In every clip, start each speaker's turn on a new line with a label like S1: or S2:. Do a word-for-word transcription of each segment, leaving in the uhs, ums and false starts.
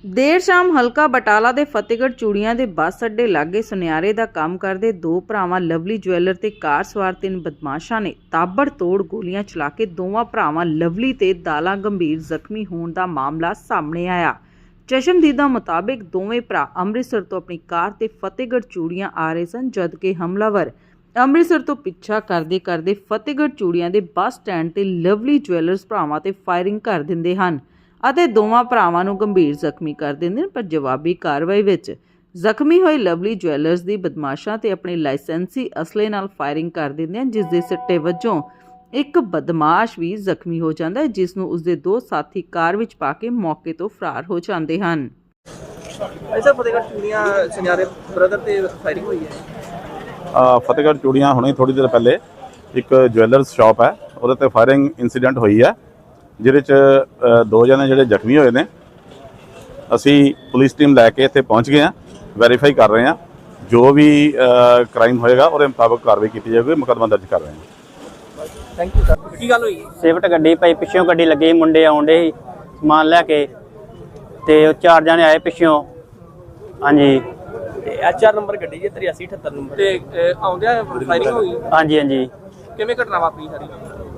S1: ਦੇਰ ਸ਼ਾਮ ਹਲਕਾ ਬਟਾਲਾ ਦੇ ਫਤਿਹਗੜ੍ਹ ਚੂੜੀਆਂ ਦੇ ਬੱਸ ਅੱਡੇ ਲਾਗੇ ਸੁਨਿਆਰੇ ਦਾ ਕੰਮ ਕਰਦੇ ਦੋ ਭਰਾਵਾਂ ਲਵਲੀ ਜਵੈਲਰ ਤੇ ਕਾਰ ਸਵਾਰ ਤਿੰਨ ਬਦਮਾਸ਼ਾਂ ਨੇ ਤਾਬੜਤੋੜ ਗੋਲੀਆਂ ਚਲਾ ਕੇ ਦੋਵਾਂ ਭਰਾਵਾਂ ਲਵਲੀ ਤੇ ਦਾਲਾ ਗੰਭੀਰ ਜ਼ਖਮੀ ਹੋਣ ਦਾ ਮਾਮਲਾ ਸਾਹਮਣੇ ਆਇਆ। ਚਸ਼ਮਦੀਦਾਂ ਮੁਤਾਬਿਕ ਦੋਵੇਂ ਭਰਾ ਅੰਮ੍ਰਿਤਸਰ ਤੋਂ ਆਪਣੀ ਕਾਰ ਤੇ ਫਤਿਹਗੜ੍ਹ ਚੂੜੀਆਂ ਆ ਰਹੇ ਸਨ, ਜਦਕਿ ਹਮਲਾਵਰ ਅੰਮ੍ਰਿਤਸਰ ਤੋਂ ਪਿੱਛਾ ਕਰਦੇ ਕਰਦੇ ਫਤਿਹਗੜ੍ਹ ਚੂੜੀਆਂ ਦੇ ਬੱਸ ਸਟੈਂਡ ਤੇ ਲਵਲੀ ਜਵੈਲਰਸ ਭਰਾਵਾਂ ਤੇ ਫਾਇਰਿੰਗ ਕਰ ਦਿੰਦੇ ਹਨ ਅਤੇ ਦੋਵਾਂ ਭਰਾਵਾਂ ਨੂੰ ਗੰਭੀਰ ਜ਼ਖਮੀ ਕਰ ਦਿੰਦੇ ਨੇ। ਪਰ ਜਵਾਬੀ ਕਾਰਵਾਈ ਵਿੱਚ ਜ਼ਖਮੀ ਹੋਏ ਲਵਲੀ ਜਵੈਲਰਸ ਦੀ ਬਦਮਾਸ਼ਾਂ ਤੇ ਆਪਣੇ ਲਾਇਸੈਂਸੀ ਅਸਲੇ ਨਾਲ ਫਾਇਰਿੰਗ ਕਰ ਦਿੰਦੇ ਹਨ, ਜਿਸ ਦੇ ਸਿੱਟੇ ਵਜੋਂ ਇੱਕ ਬਦਮਾਸ਼ ਵੀ ਜ਼ਖਮੀ ਹੋ ਜਾਂਦਾ ਹੈ, ਜਿਸ ਨੂੰ ਉਸਦੇ ਦੋ ਸਾਥੀ ਕਾਰ ਵਿੱਚ ਪਾ ਕੇ ਮੌਕੇ ਤੋਂ ਫਰਾਰ ਹੋ ਜਾਂਦੇ ਹਨ।
S2: ऐसा फतेहगढ़ चूड़ियां सुनियारे ब्रदर ਤੇ ਫਾਇਰਿੰਗ ਹੋਈ ਹੈ।
S3: ਫਤਿਹਗੜ੍ਹ ਚੂੜੀਆਂ ਹੁਣੇ ਥੋੜੀ ਦੇਰ ਪਹਿਲੇ ਇੱਕ ਜਵੈਲਰਸ ਸ਼ਾਪ ਹੈ, ਉਹਦੇ ਤੇ ਫਾਇਰਿੰਗ ਇਨਸੀਡੈਂਟ ਹੋਈ ਹੈ, ਜਿਹਦੇ ਚ ਦੋ ਜਣੇ ਜਿਹੜੇ ਜ਼ਖਮੀ ਹੋਏ ਨੇ। ਅਸੀਂ ਪੁਲਿਸ ਟੀਮ ਲੈ ਕੇ ਇੱਥੇ ਪਹੁੰਚ ਗਏ ਹਾਂ, ਵੈਰੀਫਾਈ ਕਰ ਰਹੇ ਹਾਂ, ਜੋ ਵੀ ਕ੍ਰਾਈਮ ਹੋਏਗਾ ਉਹਦੇ ਮੁਤਾਬਕ ਕਾਰਵਾਈ ਕੀਤੀ ਜਾਵੇਗੀ, ਮੁਕੱਦਮਾ ਦਰਜ ਕਰ ਰਹੇ ਹਾਂ।
S2: Thank you sir. ਕੀ ਗੱਲ ਹੋਈ?
S4: ਸਿਫਟ ਗੱਡੀ ਪਈ, ਪਿੱਛੋਂ ਗੱਡੀ ਲੱਗੀ, ਮੁੰਡੇ ਆਉਂਦੇ ਸੀ ਸਮਾਨ ਲੈ ਕੇ ਤੇ ਉਹ ਚਾਰ ਜਣੇ ਆਏ ਪਿੱਛੋਂ। ਹਾਂਜੀ,
S2: ਐਚ ਆਰ ਨੰਬਰ ਗੱਡੀ ਜੇ ਤਰਿਆਸੀ ਅਠੱਤਰ ਨੰਬਰ ਤੇ ਆਉਂਦਿਆਂ ਫਾਇਰਿੰਗ ਹੋਈ।
S4: ਹਾਂਜੀ ਹਾਂਜੀ।
S2: ਕਿਵੇਂ ਘਟਨਾ ਵਾਪਰੀ ਸਾਰੀ?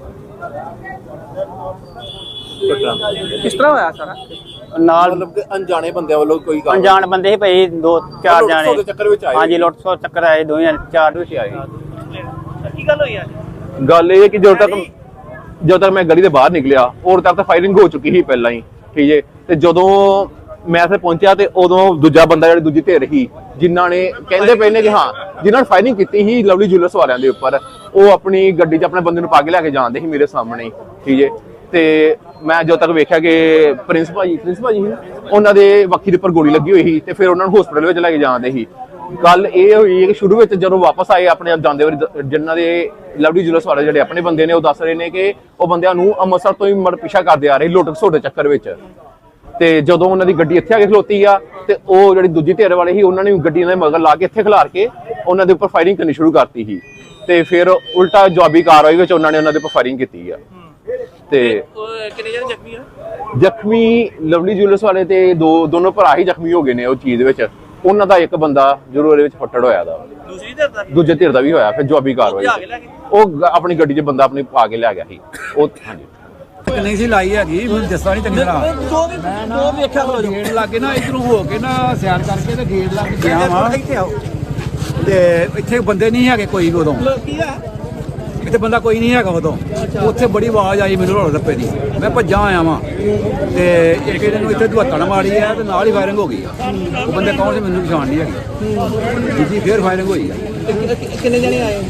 S2: ਕਿਸ ਤਰ੍ਹਾਂ ਹੋਇਆ ਸਾਰਾ?
S4: ਨਾਲ
S5: मतलब कि अनजाने बंदे वालों कोई काम
S4: ਅਣਜਾਣ ਬੰਦੇ ਸੀ ਭਾਈ, ਦੋ ਚਾਰ
S5: ਲੁੱਟ ਖੋਹ ਦੇ
S4: ਜਣੇ।
S5: ਚੱਕਰ ਵਿੱਚ ਆਏ।
S4: ਹਾਂਜੀ, ਲੁੱਟ ਖੋਹ ਚੱਕਰ ਆਏ, ਦੋਵੇਂ ਚਾਰ ਵਿੱਚ ਆਏ।
S2: ਕੀ ਗੱਲ ਹੋਈ ਅੱਜ?
S5: ਗੱਲ ਇਹ ਹੈ ਕਿ ਜਦੋਂ ਤੱਕ ਜਦੋਂ ਤੱਕ ਮੈਂ ਗਲੀ ਦੇ ਬਾਹਰ ਨਿਕਲਿਆ ਉਦੋਂ ਤੱਕ ਤਾਂ ਫਾਇਰਿੰਗ ਹੋ ਚੁੱਕੀ ਸੀ ਪਹਿਲਾਂ ਹੀ, ਠੀਕ ਹੈ। ਤੇ ਜਦੋਂ ਮੈਂ ਇੱਥੇ ਪਹੁੰਚਿਆ ਤੇ ਉਦੋਂ ਦੂਜਾ ਬੰਦਾ ਜਿਹੜੀ ਦੂਜੀ ਧਿਰ ਸੀ, ਜਿਨ੍ਹਾਂ ਨੇ ਕਹਿੰਦੇ ਪਏ ਨੇ ਕਿ ਹਾਂ ਜਿਨ੍ਹਾਂ ਨੇ ਫਾਇਰਿੰਗ ਕੀਤੀ ਸੀ ਲਵਲੀ ਜੁਐਲਰਸ ਵਾਲਿਆਂ ਦੇ ਉੱਪਰ, ਉਹ ਆਪਣੀ ਗੱਡੀ 'ਚ ਆਪਣੇ ਬੰਦੇ ਨੂੰ ਪਾ ਕੇ ਲੈ ਕੇ ਜਾਂਦੇ ਸੀ ਮੇਰੇ ਸਾਹਮਣੇ ਹੀ, ਠੀਕ ਹੈ। ਤੇ ਮੈਂ ਜਦੋਂ ਤੱਕ ਵੇਖਿਆ ਕਿ ਪ੍ਰਿੰਸ ਭਾਜੀ ਪ੍ਰਿੰਸ ਭਾਜੀ ਸੀ, ਉਹਨਾਂ ਦੇ ਵੱਖੀ ਦੇ ਉੱਪਰ ਗੋਲੀ ਲੱਗੀ ਹੋਈ ਸੀ ਤੇ ਫਿਰ ਉਹਨਾਂ ਨੂੰ ਹਸਪੀਟਲ ਵਿੱਚ ਲੈ ਕੇ ਜਾਂਦੇ ਸੀ। ਗੱਲ ਇਹ ਹੋਈ ਕਿ ਸ਼ੁਰੂ ਵਿੱਚ ਜਦੋਂ ਵਾਪਸ ਆਏ ਆਪਣੇ ਆਪ ਜਾਂਦੇ ਵਾਰੀ, ਜਿਨ੍ਹਾਂ ਦੇ ਲਵਲੀ ਜੁਐਲਰਸ ਵਾਲੇ ਜਿਹੜੇ ਆਪਣੇ ਬੰਦੇ ਨੇ, ਉਹ ਦੱਸ ਰਹੇ ਨੇ ਕਿ ਉਹ ਬੰਦਿਆਂ ਨੂੰ ਅੰਮ੍ਰਿਤਸਰ ਤੋਂ ਹੀ ਮੜ ਪਿੱਛਾ ਕਰਦੇ ਆ ਰਹੇ ਲੁੱਟ ਖਸੁੱਟ ਦੇ ਚੱਕਰ ਵਿੱਚ। ਤੇ ਜਦੋਂ ਉਹਨਾਂ ਦੀ ਗੱਡੀ ਇੱਥੇ ਆ ਕੇ ਖਲੋਤੀ ਆ ਤੇ ਉਹ ਜਿਹੜੀ ਦੂਜੀ ਧਿਰ ਵਾਲੇ ਸੀ, ਉਹਨਾਂ ਨੇ ਗੱਡੀ ਦੇ ਮਗਰ ਲਾ ਕੇ ਇੱਥੇ ਖਿਲਾਰ ਕੇ ਉਹਨਾਂ ਦੇ ਉੱਪਰ ਫਾਇਰਿੰਗ ਕਰਨੀ ਸ਼ੁਰੂ ਕਰਤੀ ਸੀ। ਤੇ ਫਿਰ ਉਲਟਾ ਜਵਾਬੀ ਕਾਰਵਾਈ ਵਿੱਚ ਉਹਨਾਂ ਨੇ ਉਹਨਾਂ ਦੇ ਉੱਪਰ ਫਾਇਰਿੰਗ ਕੀਤੀ ਆ। ਤੇ
S2: ਕਿੰਨੇ ਜਣੇ ਜ਼ਖਮੀ ਆ?
S5: ਜ਼ਖਮੀ ਲਵਲੀ ਜੁਐਲਰਸ ਵਾਲੇ ਤੇ ਦੋ ਦੋਨੋਂ ਭਰਾ ਹੀ ਜ਼ਖਮੀ ਹੋ ਗਏ ਨੇ ਉਹ ਚੀਜ਼ ਵਿੱਚ। ਉਹਨਾਂ ਦਾ ਇੱਕ ਬੰਦਾ ਜ਼ਰੂਰ ਇਹਦੇ ਵਿੱਚ ਫੱਟੜ ਹੋਇਆ ਦਾ,
S2: ਦੂਸਰੀ ਧਿਰ ਦਾ
S5: ਦੂਜੇ ਧਿਰ ਦਾ ਵੀ ਹੋਇਆ। ਫਿਰ ਜਵਾਬੀ ਕਾਰਵਾਈ ਉਹ ਆਪਣੀ ਗੱਡੀ 'ਚ ਬੰਦਾ ਆਪਣੀ ਪਾ ਕੇ ਲੈ ਗਿਆ ਸੀ ਉਹ। ਹਾਂਜੀ,
S6: ਨਹੀਂ ਸੀ ਲਾਈ ਹੈਗੀ, ਮੈਨੂੰ ਦੱਸਦਾ ਨਹੀਂ ਚੰਗੀ ਤਰ੍ਹਾਂ।
S2: ਮੈਂ ਨਾ ਵੇਖਿਆ
S6: ਗੇਟ ਲੱਗੇ ਨਾ ਇਧਰੋਂ ਹੋ ਕੇ ਨਾ ਸਿਆਰ ਕਰਕੇ ਤੇ ਗੇਟ ਲੱਗ ਗਿਆ ਵਾ ਤੇ ਇੱਥੇ ਬੰਦੇ ਨਹੀਂ ਹੈਗੇ ਕੋਈ ਵੀ ਉਦੋਂ।
S2: ਕੀ ਆ?
S6: ਇੱਥੇ ਬੰਦਾ ਕੋਈ ਨਹੀਂ ਹੈਗਾ ਉਦੋਂ। ਉੱਥੇ ਬੜੀ ਆਵਾਜ਼ ਆਈ ਮੈਨੂੰ ਰੋਲ ਰੱਪੇ ਦੀ, ਮੈਂ ਭੱਜਾਂ ਆਇਆ ਵਾਂ ਤੇ ਇੱਕ ਇਹਦੇ ਨੂੰ ਇੱਥੇ ਦੁਹੱਤਣ ਮਾਰੀ ਹੈ ਤੇ ਨਾਲ ਹੀ ਫਾਇਰਿੰਗ ਹੋ ਗਈ ਆ। ਉਹ ਬੰਦੇ ਕੌਣ ਸੀ ਮੈਨੂੰ ਪਛਾਣ ਨਹੀਂ ਹੈਗੀ। ਦੂਜੀ ਫੇਰ ਫਾਇਰਿੰਗ ਹੋਈ ਆ।
S2: ਕਿੰਨੇ ਜਣੇ ਆਏ?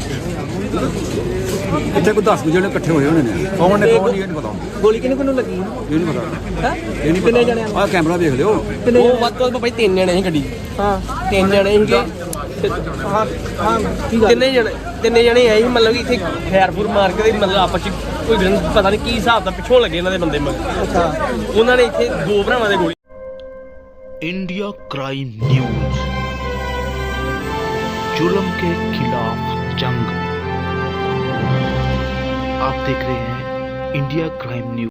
S6: ਇੱਥੇ ਕੋਈ ਦਸ ਜਣੇ ਇਕੱਠੇ ਹੋਏ ਹੋਣੇ ਨੇ, ਕੌਣ ਨੇ ਕੌਣ ਨਹੀਂ ਇਹ ਨਹੀਂ ਪਤਾ।
S2: ਗੋਲੀ ਕਿਹਨੂੰ ਕਿਹਨੂੰ ਲੱਗੀ?
S6: ਇਹ ਨਹੀਂ ਪਤਾ।
S2: ਹੈ
S6: ਇਹ ਨਹੀਂ
S2: ਕਿੰਨੇ ਜਣੇ?
S6: ਆਹ ਕੈਮਰਾ ਵੇਖ ਲਿਓ।
S2: ਉਹ ਵੱਧ ਤੋਂ ਵੱਧ ਭਾਈ ਤਿੰਨ ਜਣੇ ਸੀ ਗੱਡੀ। ਹਾਂ, ਤਿੰਨ ਜਣੇ ਸੀਗੇ। ਹਾਂ ਹਾਂ। ਕਿੰਨੇ ਜਣੇ? ਤਿੰਨੇ ਜਣੇ ਆਏ ਸੀ, ਮਤਲਬ ਕਿ ਇੱਥੇ ਖੈਰ ਫੂਰ ਮਾਰ ਕੇ ਮਤਲਬ ਆਪਸ ਚ ਕੋਈ ਪਤਾ ਨਹੀਂ ਕੀ ਹਿਸਾਬ ਦਾ ਪਿੱਛੋਂ ਲੱਗੇ ਇਹਨਾਂ ਦੇ ਬੰਦੇ ਮਗਰ। ਅੱਛਾ, ਉਹਨਾਂ ਨੇ ਇੱਥੇ ਦੋ ਭਰਾਵਾਂ ਦੇ ਗੋਲੀ।
S7: इंडिया क्राइम न्यूज, जुल्म के खिलाफ जंग। आप देख रहे हैं इंडिया क्राइम न्यूज।